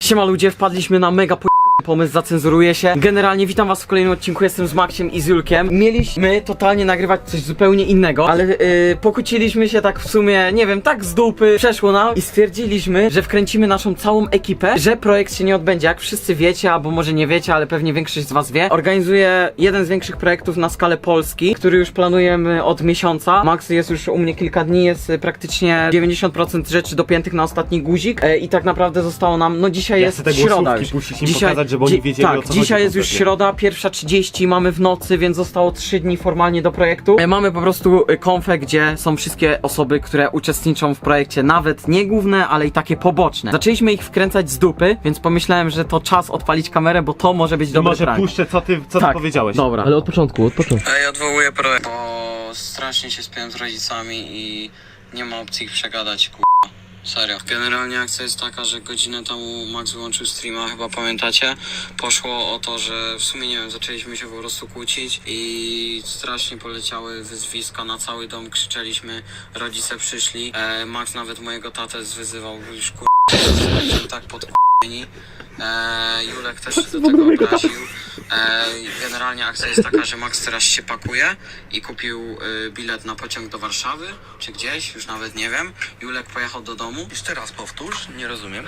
Siema ludzie, wpadliśmy na mega pomysł, zacenzuruje się. Generalnie witam was w kolejnym odcinku, jestem z Maxiem i z Julkiem. Mieliśmy totalnie nagrywać coś zupełnie innego, ale pokłóciliśmy się tak w sumie, nie wiem, tak z dupy przeszło nam i stwierdziliśmy, że wkręcimy naszą całą ekipę, że projekt się nie odbędzie. Jak wszyscy wiecie, albo może nie wiecie, ale pewnie większość z was wie, organizuję jeden z większych projektów na skalę Polski, który już planujemy od miesiąca. Max jest już u mnie kilka dni, jest praktycznie 90% rzeczy dopiętych na ostatni guzik i tak naprawdę zostało nam, no dzisiaj jest środa już. Pokazać, żeby oni wiedzieli, tak, o co dzisiaj chodzi jest już kompletnie. środa, 1:30, mamy w nocy, więc zostało 3 dni formalnie do projektu. Mamy po prostu konfę, gdzie są wszystkie osoby, które uczestniczą w projekcie, nawet nie główne, ale i takie poboczne. Zaczęliśmy ich wkręcać z dupy, więc pomyślałem, że to czas odpalić kamerę, bo to może być dobry Może prank. puszczę, co ty powiedziałeś. Dobra. Ale od początku. Ja odwołuję projekt, bo strasznie się spiałem z rodzicami i nie ma opcji ich przegadać, serio. Generalnie akcja jest taka, że godzinę temu Max wyłączył streama, chyba pamiętacie. Poszło o to, że w sumie nie wiem, zaczęliśmy się po prostu kłócić i strasznie poleciały wyzwiska na cały dom, krzyczeliśmy, rodzice przyszli. Max nawet mojego tatę zwyzywał, już tak podk***ni. Julek też się do tego obraził. Generalnie akcja jest taka, że Max teraz się pakuje i kupił bilet na pociąg do Warszawy, czy gdzieś, już nawet nie wiem. Julek pojechał do domu. Jeszcze raz powtórz, nie rozumiem.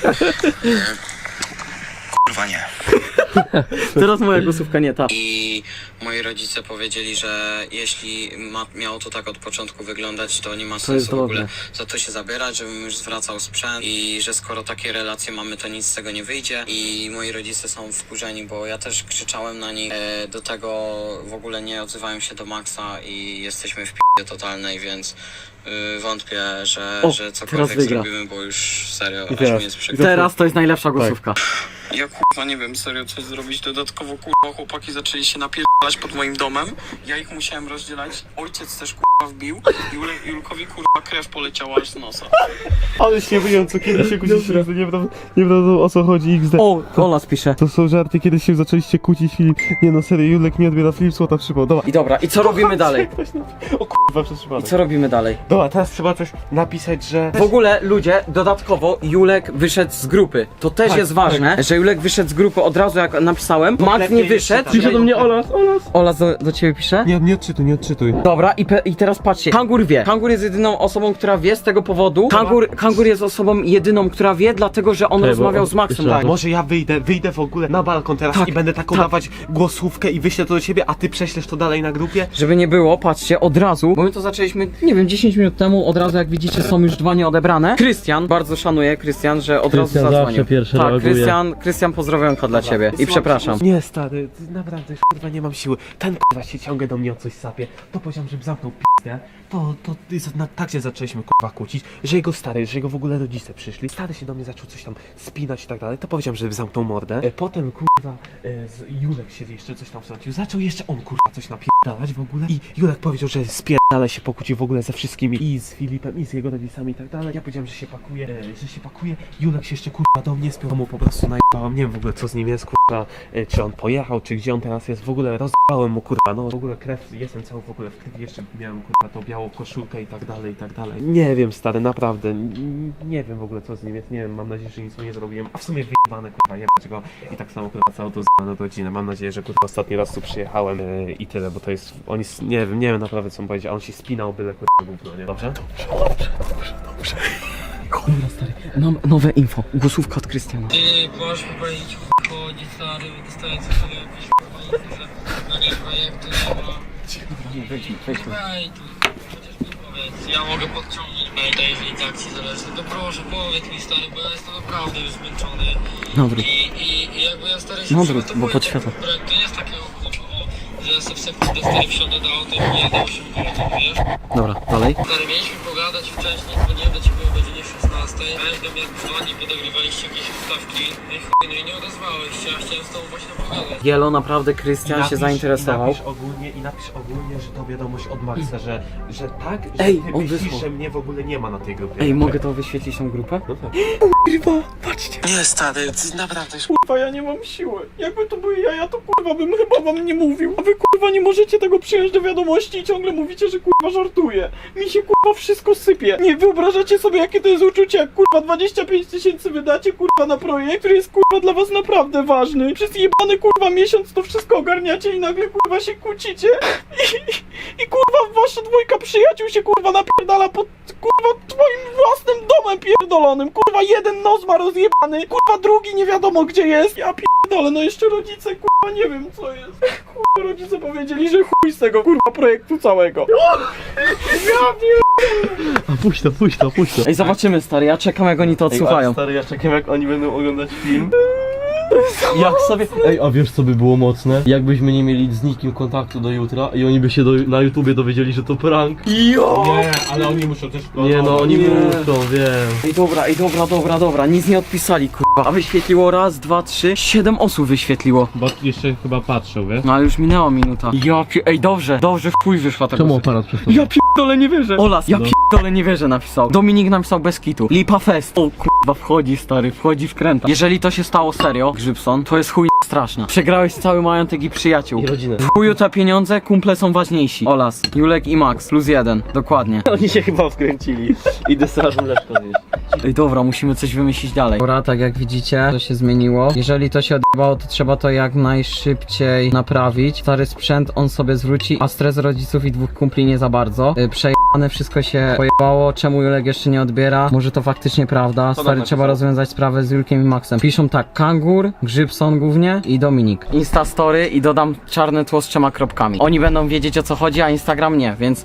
Kurwa nie. Teraz moja głosówka nie ta. I moi rodzice powiedzieli, że jeśli miało to tak od początku wyglądać, to nie ma sensu w ogóle za to się zabierać, żebym już zwracał sprzęt i że skoro takie relacje mamy, to nic z tego nie wyjdzie. I moi rodzice są wkurzeni, bo ja też krzyczałem na nich. Do tego w ogóle nie odzywają się do Maxa i jesteśmy w p***ie totalnej, więc wątpię, że cokolwiek zrobimy, bo już serio, aż mi jest przykro. Teraz to jest najlepsza głosówka. Ja kurwa nie wiem, serio coś zrobić dodatkowo, kurwa chłopaki zaczęli się napierdalać pod moim domem, ja ich musiałem rozdzielać, ojciec też kurwa wbił, Julkowi kurwa krew poleciała aż z nosa. Ale się wyjął, co kiedyś się kłóciliście, nie wiadomo o co chodzi XD. O, Ola spisze. To są żarty, kiedyś się zaczęliście kłócić, Filip. Nie no, serio, Julek nie odbiera, Filip złota przypał. Dobra. I dobra, i co robimy dalej? O kurwa, przez I przypadek. co robimy dalej? Dobra, teraz trzeba coś napisać, że... W ogóle ludzie, dodatkowo Julek wyszedł z grupy. To też jest ważne, że Julek wyszedł z grupy od razu jak napisałem. Max nie wyszedł. Pisze do mnie Olas. Ola do ciebie pisze? Nie odczytuj. Dobra, i teraz patrzcie, Kangur wie. Kangur jest jedyną osobą, która wie z tego powodu. Kangur jest osobą jedyną, która wie, dlatego że on rozmawiał z Maxem. Tak, może ja wyjdę w ogóle na balkon teraz i będę taką dawać głosówkę i wyślę to do ciebie, a ty prześlesz to dalej na grupie? Żeby nie było, patrzcie, od razu, bo my to zaczęliśmy, nie wiem, 10 minut temu, od razu jak widzicie są już 2 nieodebrane. Krystian, bardzo szanuję Krystian, że od razu zadzwonił. Tak, Krystian, pozdrowionka dla ciebie i przepraszam. Nie stary, naprawdę kurwa nie mam siły. Ten kurwa się ciągle do mnie o coś sapie. To powiedziałem, żebym zamknął p***ę. Tak się zaczęliśmy kurwa kłócić, że jego w ogóle rodzice przyszli. Stary się do mnie zaczął coś tam spinać i tak dalej. To powiedziałem, żeby zamknął mordę. Potem kurwa Julek się jeszcze coś tam wtrącił. Zaczął jeszcze on kurwa coś napierdalać w ogóle. I Julek powiedział, że spierdala się pokłócił w ogóle ze wszystkimi i z Filipem i z jego rodzicami i tak dalej. Ja powiedziałem, że się pakuje. Julek się jeszcze kurwa do mnie spiął, mu po prostu najebałem. Nie wiem w ogóle co z nim jest kurwa, czy on pojechał, czy gdzie on teraz jest. W ogóle rozbałem mu kurwa, no w ogóle krew, jestem cały w ogóle w krwi, jeszcze miałem kurwa tą białą koszulkę i tak dalej, i tak dalej. Nie wiem stary, naprawdę, nie wiem w ogóle co z nim jest, nie wiem, mam nadzieję, że nic mu nie zrobiłem, a w sumie wyjebane kurwa, jebać go i tak samo kurwa całą tą zbaną godzinę. Mam nadzieję, że kurwa ostatni raz tu przyjechałem i tyle, bo to jest, nie wiem naprawdę co mu powiedzieć, a on się spinał byle kurwa gówno, nie? Dobrze? Dobrze. Dobra stary, mam nowe info, głosówka od Krystiana. Ty możesz powiedzieć chodzi stary, wystając sobie jakieś że na nie projektu nie ma. Wejdźmy. Ej, tu chociaż mi powiedz, ja mogę podciągnąć maila, jeżeli tak ci zależy, to proszę powiedz mi stary, bo ja jestem naprawdę już zmęczony. Dobry. I jakby ja stary się Bo przygotowuję podświetla. do projektu, nie jest takiego że ja sobie w sekcji D4 wsiądę do auta i pojadę 8 minut, wiesz? Dobra, dalej. Stary, mieliśmy pogadać wcześniej, dzwoniłem do ciebie o godzinie 16. Weź jak dzwoni, podegrywaliście jakieś ustawki. No i nie odezwałeś się, ja chciałem z tobą właśnie pogadać. Gielo, naprawdę Krystian się zainteresował. I napisz ogólnie, że to wiadomość od Maxa, że tak, że Ej, ty on myślisz, wysłał. że mnie w ogóle nie ma na tej grupie. Ej, mogę to wyświetlić tą grupę? No tak. Nie stary, ty naprawdę już Kurwa, ja nie mam siły. Jakby to były jaja, to kurwa bym chyba wam nie mówił. A wy kurwa nie możecie tego przyjąć do wiadomości i ciągle mówicie, że kurwa żartuję. Mi się kurwa wszystko sypie. Nie wyobrażacie sobie, jakie to jest uczucie, jak kurwa 25 000 wydacie kurwa na projekt, który jest kurwa dla was naprawdę ważny. Przez jebany kurwa miesiąc to wszystko ogarniacie i nagle kurwa się kłócicie i kurwa wasza dwójka przyjaciół się kurwa napierdala pod kurwa twoim własnym domem pierdolonym. Kurwa jeden nos ma rozjebany, kurwa drugi nie wiadomo gdzie jest. Ja pierdolę, no jeszcze rodzice kurwa nie wiem co jest. Kurwa rodzice powiedzieli, że chuj z tego kurwa projektu całego. Ja pierdolę. Puść to. Ej, zobaczymy, stary, ja czekam, jak oni to odsłuchają. Stary, ja czekam jak oni będą oglądać film. Jak sobie... Ej, a wiesz co by było mocne? Jakbyśmy nie mieli z nikim kontaktu do jutra i oni by się na YouTubie dowiedzieli, że to prank. Jo! Nie, ale oni muszą też... Nie no, oni nie. muszą, wiem. Dobra, nic nie odpisali, kurwa. A wyświetliło raz, dwa, trzy, 7 osób wyświetliło. Bo jeszcze chyba patrzą, wiesz? No ale już minęła minuta. Ej, dobrze, w chuj wyszła ta Czemu gosypa. aparat przestał? Ja pierdolę, nie wierzę. Olas, ja pierdolę, nie wierzę, napisał. Dominik napisał bez kitu. Lipa Fest. O kurwa, wchodzi, stary, wchodzi w kręta. Jeżeli to się stało serio, Grzybson, to jest chuj straszna. Przegrałeś cały majątek i przyjaciół. I rodzinę. W chuju te pieniądze, kumple są ważniejsi. Olas, Julek i Max, +1, dokładnie. Oni się chyba wkręcili. Idę strażą mleczko zjeść. Ej, dobra, musimy coś wymyślić dalej. Dobra, tak jak widzicie, to się zmieniło. Jeżeli to się odbywało, to trzeba to jak najszybciej naprawić. Stary sprzęt on sobie zwróci, a stres rodziców i dwóch kumpli nie za bardzo. Przejebane, wszystko się pojebało. Czemu Julek jeszcze nie odbiera? Może to faktycznie prawda. Stary, trzeba rozwiązać sprawę z Julkiem i Maxem. Piszą tak, Kangur, Grzybson głównie i Dominik. Insta story i dodam czarne tło z 3 kropkami. Oni będą wiedzieć, o co chodzi, a Instagram nie, więc...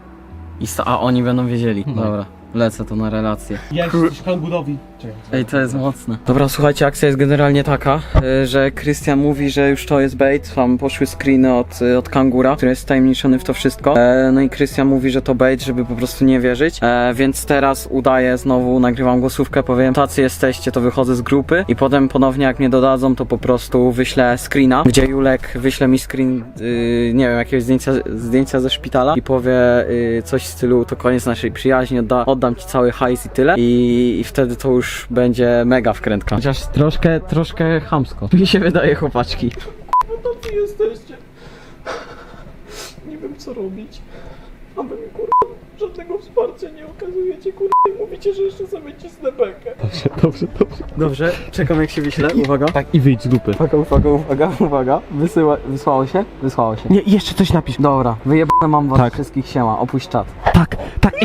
A oni będą wiedzieli. Dobra. Lecę to na relację. Ja jesteś kangurowi. Ej, to jest mocne. Dobra, słuchajcie, akcja jest generalnie taka, że Krystian mówi, że już to jest bait. Tam poszły screeny od Kangura, który jest wtajemniczony w to wszystko. No i Krystian mówi, że to bait, żeby po prostu nie wierzyć. Więc teraz udaję znowu, nagrywam głosówkę, powiem, tacy jesteście, to wychodzę z grupy i potem ponownie jak mnie dodadzą, to po prostu wyślę screena, gdzie Julek wyśle mi screen, nie wiem, jakiegoś zdjęcia ze szpitala i powie coś w stylu, to koniec naszej przyjaźni, oddam ci cały hajs i tyle. I wtedy to już będzie mega wkrętka. Chociaż troszkę chamsko. Mi się wydaje, chłopaczki. No tacy jesteście. Nie wiem co robić. A wy mi kurwa żadnego wsparcia nie okazujecie kurwa i mówicie, że jeszcze sobie cisnę bekę. Dobrze, czekam jak się wyśle. Uwaga. Tak i wyjdź z dupy. Uwaga. Wysłało się? Wysłało się. Nie, jeszcze coś napisz. Dobra, wyjebane mam was wszystkich, siema, opuść czat. Tak,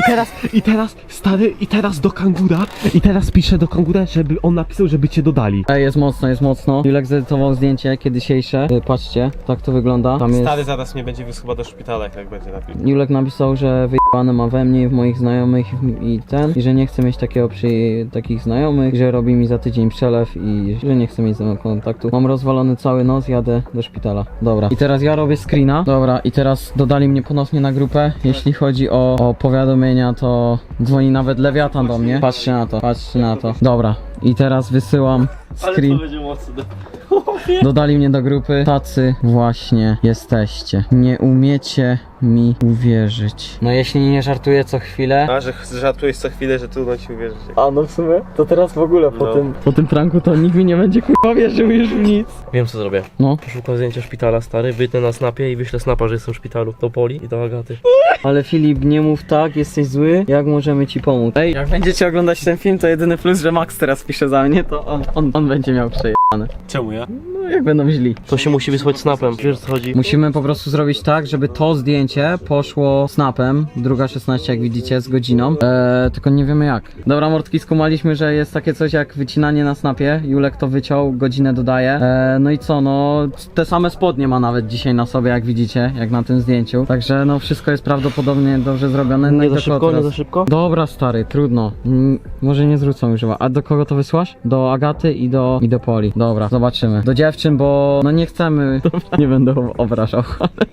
i teraz do Kangura. I teraz piszę do Kangura, żeby on napisał, żeby cię dodali. Ej, jest mocno. Julek zedytował zdjęcie dzisiejsze. Patrzcie, tak to wygląda. Tam jest... Stary zaraz mnie będzie chyba do szpitala, jak będzie napisał. Julek napisał, że wyjebane ma we mnie i w moich znajomych i że nie chce mieć takich znajomych, że robi mi za tydzień przelew i że nie chce mieć ze mną kontaktu. Mam rozwalony cały nos, jadę do szpitala. Dobra. I teraz ja robię screena. Dobra, i teraz dodali mnie ponownie na grupę. Jeśli chodzi o powiadomienia, to dzwoni nawet Lewiatan do mnie. Patrzcie na to. Dobra. I teraz wysyłam screen. będzie mocne. Dodali mnie do grupy. Tacy właśnie jesteście. Nie umiecie mi uwierzyć. No jeśli nie żartuję co chwilę. A, że żartujesz co chwilę, że trudno ci uwierzyć. A no w sumie, to teraz w ogóle No. po tym pranku to nikt mi nie będzie kurwa wierzył już w nic. Wiem co zrobię. No. Poszukam zdjęcia szpitala, stary, wytnę na snapie i wyślę snapa, że jestem w szpitalu. Do Poli i do Agaty. Ale Filip, nie mów tak, jesteś zły. Jak możemy ci pomóc? Ej, jak będziecie oglądać ten film, to jedyny plus, że Max teraz pisze za mnie, to on będzie miał przejebane. Czemu ja? No jak będą źli. To się musi wysłać snapem, wiesz o co chodzi? Musimy po prostu zrobić tak, żeby to zdjęcie poszło snapem, 2:16 jak widzicie, z godziną, tylko nie wiemy jak. Dobra mordki, skumaliśmy, że jest takie coś jak wycinanie na snapie, Julek to wyciął, godzinę dodaje, no i co, no te same spodnie ma nawet dzisiaj na sobie jak widzicie, jak na tym zdjęciu, także no wszystko jest prawdopodobnie dobrze zrobione. No Nie i za do szybko, kogo nie teraz? za szybko? Dobra stary, trudno, może nie zwrócą już, a do kogo to wysłasz? Do Agaty i do Poli. Dobra, zobaczymy. Do dziewczyn, bo no nie chcemy, nie będę obrażał.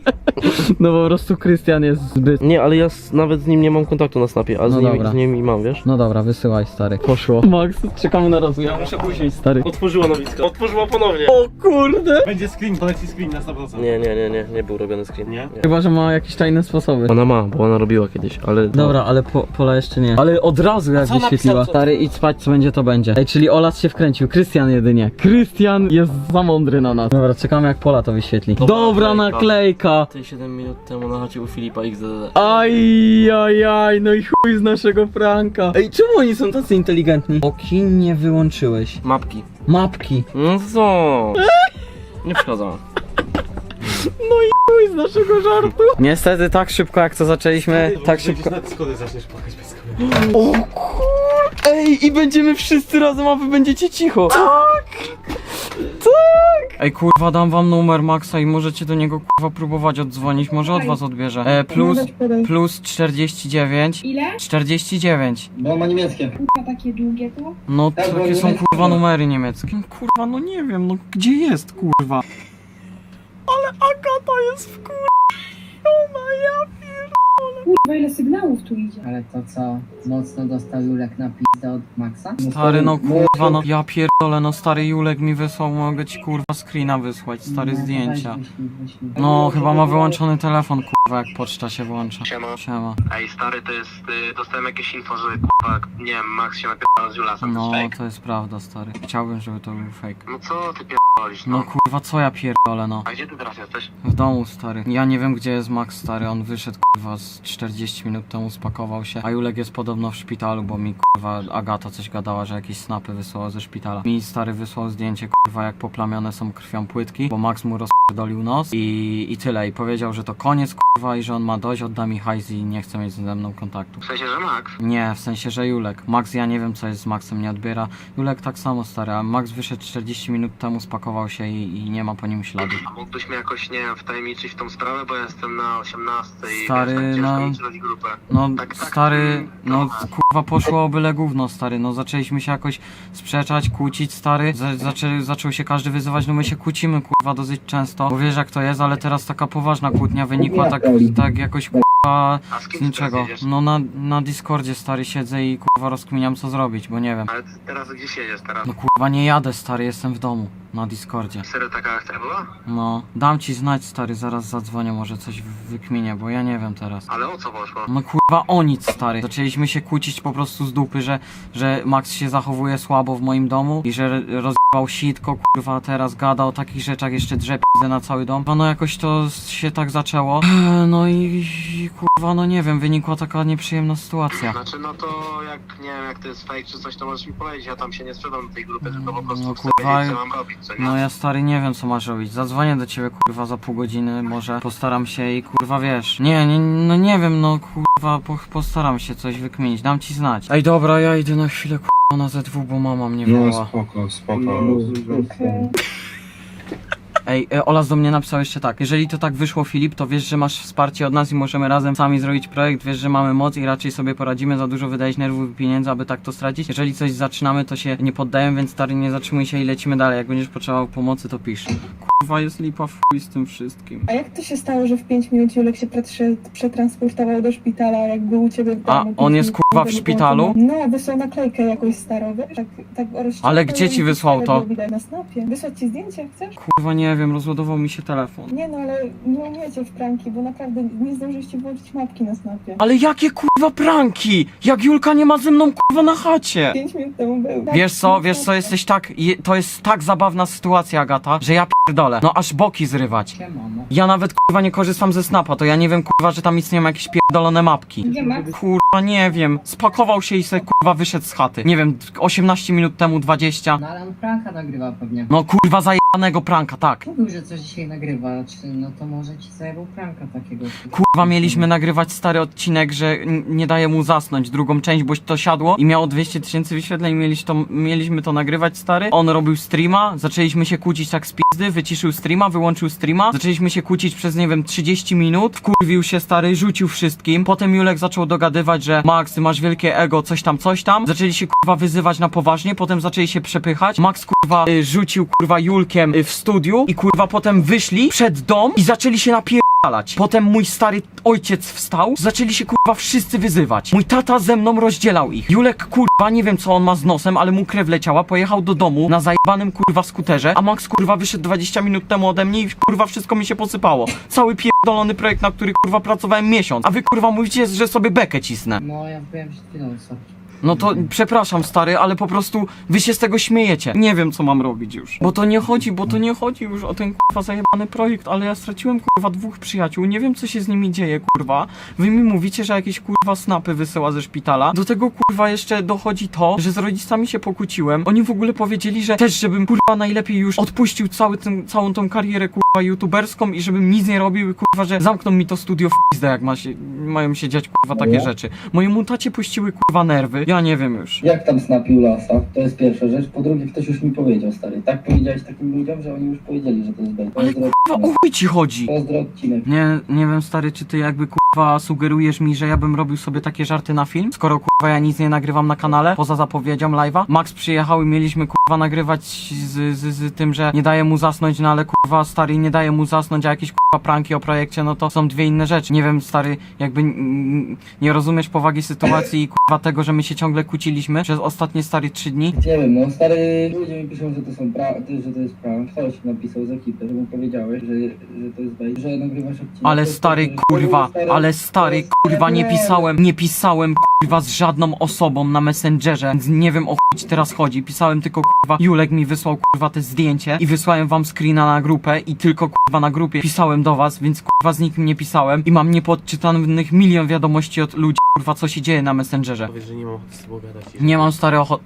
No po prostu Krystian jest zbyt... Nie, ale ja nawet z nim nie mam kontaktu na snapie, a No dobra. z nim mam, wiesz? No dobra, wysyłaj stary. Poszło. Max, czekamy na rozwój, ja muszę usiąść stary. Otworzyła nowisko. Otworzyła ponownie. O kurde! Będzie screen, poleci screen na 100%. Nie był robiony screen. Nie? Chyba, że ma jakieś tajne sposoby. Ona ma, bo ona robiła kiedyś, ale... Dobra, ale Pola jeszcze nie. Ale od razu jak co wyświetliła. napisał, co- Stary, idź spać, co będzie to będzie. Ej, czyli Olas się wkręcił. Krystian jedynie. Krystian jest za mocny. mądry na nas. Dobra, czekamy jak Pola to wyświetli. Dobra naklejka. Ty 7 minut temu na chacie u Filipa XDD. Aj, no i chuj z naszego Franka. Ej, czemu oni są tacy inteligentni? Oki nie wyłączyłeś. Mapki. Mapki. No co? Nie przeszkadzam. No i chuj z naszego żartu. Niestety tak szybko jak to zaczęliśmy, tak szybko. Na schody zaczniesz płakać bez kamery. O kur... Ej, i będziemy wszyscy razem, a wy będziecie cicho. Tak! Ej, kurwa, dam wam numer Maxa i możecie do niego, kurwa, próbować oddzwonić. Może od was odbierze. Plus 49. Ile? 49. Bo ma niemieckie. Kurwa, takie długie to? No, takie są, kurwa, numery niemieckie. Kurwa, no nie wiem, no gdzie jest, kurwa? Ale Agata jest w kurwa, ja Kurwa, ile sygnałów tu idzie? Ale to co? Mocno dostał Julek na pizdę od Maxa? Stary, no kurwa, no ja pierdolę, no stary Julek mi wysłał, mogę ci kurwa screena wysłać, stary zdjęcia. Wyślij. No, chyba ma wyłączony telefon, kurwa, jak poczta się włącza. Siema. Ej stary, to jest, dostałem jakieś info, że kurwa, nie wiem, Max się napierdał z Julasem, No, to jest fake. to jest prawda, stary. Chciałbym, żeby to był fake. No co ty pierdolisz, No kurwa, co ja pierdolę, no. A gdzie ty teraz jesteś? W domu, stary. Ja nie wiem, gdzie jest Max, stary. On wyszedł, kurwa, z 40 minut temu, spakował się. A Julek jest podobno w szpitalu, bo mi, kurwa, Agata coś gadała, że jakieś snapy wysłała ze szpitala. Mi, stary, wysłał zdjęcie, kurwa, jak poplamione są krwią płytki, bo Max mu rozpierdolił nos i tyle. I powiedział, że to koniec, kurwa, i że on ma dość, odda mi hajs i nie chce mieć ze mną kontaktu. W sensie, że Max? Nie, w sensie, że Julek. Max, ja nie wiem, co jest z Maxem, nie odbiera. Julek tak samo, stary, a Max wyszedł 40 minut temu, spakował się i nie ma po nim śladu. A mógłbyś mnie jakoś, nie wiem, wtajemniczyć w tą sprawę, bo ja jestem na 18 i Stary, wiesz, tak ciężko no. mi znaleźć grupę. No, Tak, stary, no kurwa poszło o byle gówno, stary, no zaczęliśmy się jakoś sprzeczać, kłócić, stary, zaczął się każdy wyzywać, no my się kłócimy, kurwa, dosyć często, bo wiesz jak to jest, ale teraz taka poważna kłótnia wynikła tak jakoś, kurwa, A z z kim ty niczego. teraz jedziesz? No na Discordzie, stary, siedzę i kurwa rozkminiam co zrobić, bo nie wiem. Ale ty teraz gdzie siedzisz teraz? No kurwa nie jadę, stary, jestem w domu, na Discordzie. Serio taka akcja była? No, dam ci znać, stary, zaraz zadzwonię, może coś wykminię, bo ja nie wiem teraz. Ale o co poszło? No kurwa o nic, stary. Zaczęliśmy się kłócić po prostu z dupy, że Max się zachowuje słabo w moim domu i że rozjebał sitko, kurwa, teraz gada o takich rzeczach, jeszcze drze p***e na cały dom. No jakoś to się tak zaczęło. No i kurwa, no nie wiem, wynikła taka nieprzyjemna sytuacja. Znaczy no to jak, nie wiem, jak to jest fake czy coś, to możesz mi powiedzieć, ja tam się nie sprzedam do tej grupy, tylko po prostu No, chcę kurwa, wiedzieć, co mam robić, co nie? No ja, stary, nie wiem co masz robić. Zadzwonię do ciebie, kurwa, za pół godziny, może postaram się i kurwa, wiesz. No nie wiem, no kurwa, postaram się coś wykminić, dam ci znać. Ej, dobra, ja idę na chwilę, kurwa, na ZW, bo mama mnie woła. Spoko. Ej, Olas do mnie napisał jeszcze tak. Jeżeli to tak wyszło, Filip, to wiesz, że masz wsparcie od nas i możemy razem sami zrobić projekt. Wiesz, że mamy moc i raczej sobie poradzimy. Za dużo wydać nerwów i pieniędzy, aby tak to stracić. Jeżeli coś zaczynamy, to się nie poddajemy, więc stary, nie zatrzymuj się i lecimy dalej. Jak będziesz potrzebował pomocy, to pisz. Kurwa, jest lipa w chuj z tym wszystkim. A jak to się stało, że w 5 minut Julek się przetransportował do szpitala, jak był u ciebie w domu? A, 5 on jest, minut kurwa, temu w tego szpitalu? połączenia? No, wysłał naklejkę jakąś starą, wiesz? Tak Ale gdzie ci wysłał to? Na snapie. Wysłać ci zdjęcie, chcesz? Kurwa, nie wiem, rozładował mi się telefon. Nie no, ale nie umiecie w pranki, bo naprawdę nie zdążyliście włączyć mapki na snapie. Ale jakie kurwa pranki? Jak Julka nie ma ze mną kurwa na chacie? 5 minut temu był. Wiesz co, jesteś tak, to jest tak zabawna sytuacja, Agata, że ja pierdolę. No aż boki zrywać. Siemano. Ja nawet kurwa nie korzystam ze snapa, to ja nie wiem kurwa, że tam istnieją jakieś pierdolone mapki. Gdzie Max? Kurwa nie wiem, spakował się i se kurwa wyszedł z chaty. Nie wiem, 18 minut temu, 20. No ale on pranka nagrywa pewnie. No kurwa zajebanego pranka, tak. Mówił, że coś dzisiaj nagrywa, czy no to może ci zajebał pranka takiego. Kurwa mieliśmy nagrywać stary odcinek, że nie daje mu zasnąć drugą część, bo to siadło i miało 200 000 wyświetleń, mieliśmy to nagrywać, stary. On robił streama, zaczęliśmy się kłócić tak z pizdy, wyciszył streama, wyłączył streama, zaczęliśmy się kłócić przez, nie wiem, 30 minut, wkurwił się, stary, rzucił wszystkim, potem Julek zaczął dogadywać, że Max, ty masz wielkie ego, coś tam, zaczęli się kurwa wyzywać na poważnie, potem zaczęli się przepychać, Max kurwa rzucił kurwa Julkiem w studiu i kurwa potem wyszli przed dom i zaczęli się napierdalać. Potem mój stary ojciec wstał, zaczęli się kurwa wszyscy wyzywać. Mój tata ze mną rozdzielał ich. Julek kurwa, nie wiem co on ma z nosem, ale mu krew leciała, pojechał do domu na zajebanym kurwa skuterze, a Max kurwa wyszedł 20 minut temu ode mnie i kurwa wszystko mi się posypało. Cały pierdolony projekt, na który kurwa pracowałem miesiąc, a wy kurwa mówicie, że sobie bekę cisnę. No ja byłem przed chwilą, co? No to przepraszam stary, ale po prostu wy się z tego śmiejecie. Nie wiem co mam robić już. Bo to nie chodzi już o ten kurwa zajebany projekt, ale ja straciłem kurwa 2 przyjaciół, nie wiem co się z nimi dzieje kurwa. Wy mi mówicie, że jakieś kurwa snapy wysyła ze szpitala. Do tego kurwa jeszcze dochodzi to, że z rodzicami się pokłóciłem. Oni w ogóle powiedzieli, że też żebym kurwa najlepiej już odpuścił całą tą karierę kurwa youtuberską i żebym nic nie robił i kurwa, że zamkną mi to studio w pizdę, jak mają się dziać kurwa takie rzeczy. Mojemu tacie puściły kurwa nerwy, ja nie wiem już. Jak tam snapił lasa? To jest pierwsza rzecz. Po drugie, ktoś już mi powiedział, stary. Tak powiedziałeś takim ludziom, że oni już powiedzieli, że to jest bait. Ale kurwa o chuj ci chodzi? Pozdro odcinek. Nie wiem stary, czy ty jakby kurwa sugerujesz mi, że ja bym robił sobie takie żarty na film? Skoro kurwa ja nic nie nagrywam na kanale, poza zapowiedzią live'a. Max przyjechał i mieliśmy kurwa nagrywać z tym, że nie daje mu zasnąć, no ale kurwa stary nie daje mu zasnąć, a jakieś kurwa pranki o projekcie, no to są 2 inne rzeczy. Nie wiem stary, jakby nie rozumiesz powagi sytuacji i kurwa tego, że my się ciągle kłóciliśmy przez ostatnie stary 3 dni. Nie wiem, no stary, ludzie mi piszą, że to są że to jest prank. Ktoś napisał z ekipy, że mu powiedziałeś, że to jest bait, że nagrywasz odcinek. Ale stary kurwa, nie pisałem kurwa z żadną osobą na Messengerze, więc nie wiem o chuj ci teraz chodzi. Pisałem tylko kurwa, Julek mi wysłał kurwa te zdjęcie i wysłałem wam screena na grupę i tylko kurwa na grupie pisałem do was, więc kurwa z nikim nie pisałem i mam niepodczytanych milion wiadomości od ludzi kurwa co się dzieje na Messengerze. Powiedz, że nie mam ochoty z tobą gadać. Nie mam stary ochoty.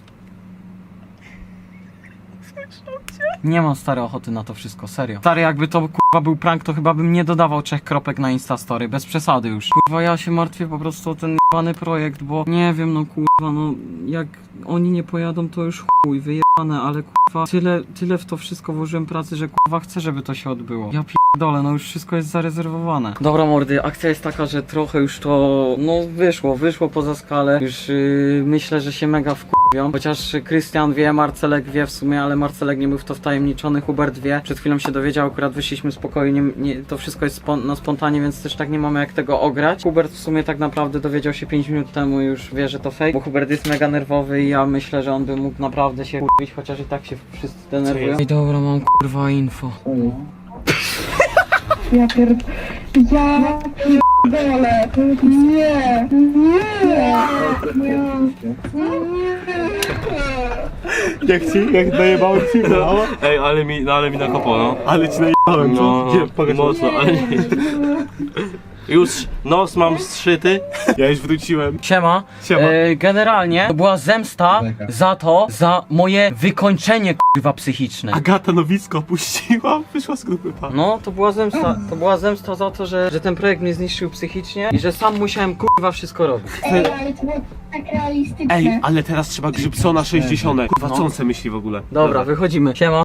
Nie mam stary ochoty na to wszystko, serio. Stary, jakby to kurwa był prank, to chyba bym nie dodawał 3 kropek na Instastory, bez przesady już. Kurwa, ja się martwię po prostu o ten jebany projekt, bo nie wiem, no kurwa, no jak oni nie pojadą, to już chuj, wyjebane, ale kurwa, tyle w to wszystko włożyłem pracy, że kurwa chcę, żeby to się odbyło. Ja pierdolę, no już wszystko jest zarezerwowane. Dobra mordy, akcja jest taka, że trochę już to, no wyszło poza skalę, już myślę, że się mega wkurwią, chociaż Krystian wie, Marcelek wie w sumie, ale Marcelek nie był w to wtajemniczony, Hubert wie, przed chwilą się dowiedział, akurat wyszliśmy spokojnie, to wszystko jest na spontanie, więc też tak nie mamy jak tego ograć. Hubert w sumie tak naprawdę dowiedział się 5 minut temu i już wie, że to fake, bo Hubert jest mega nerwowy i ja myślę, że on by mógł naprawdę się kurwić, chociaż i tak się wszyscy denerwują. I dobra, mam kurwa info. Ja pierdolę. Nie. Jak najebałem ci, no. Ej, ale mi nakopło, no. Ale ci najebałem, co? No, Gdzie? Pokaż mocno, ale nie. Już nos mam zszyty. Ja już wróciłem. Siema. Siema. Generalnie to była zemsta za moje wykończenie kurwa psychiczne. Agata Nowicka opuściła, wyszła z grupy, pa. No, to była zemsta za to, że ten projekt mnie zniszczył psychicznie i że sam musiałem kurwa wszystko robić. Ej, ale to było tak realistyczne. Ej, ale teraz trzeba Grzybsona 60. Kurwa, co on se myśli w ogóle? Dobra, wychodzimy. Siema.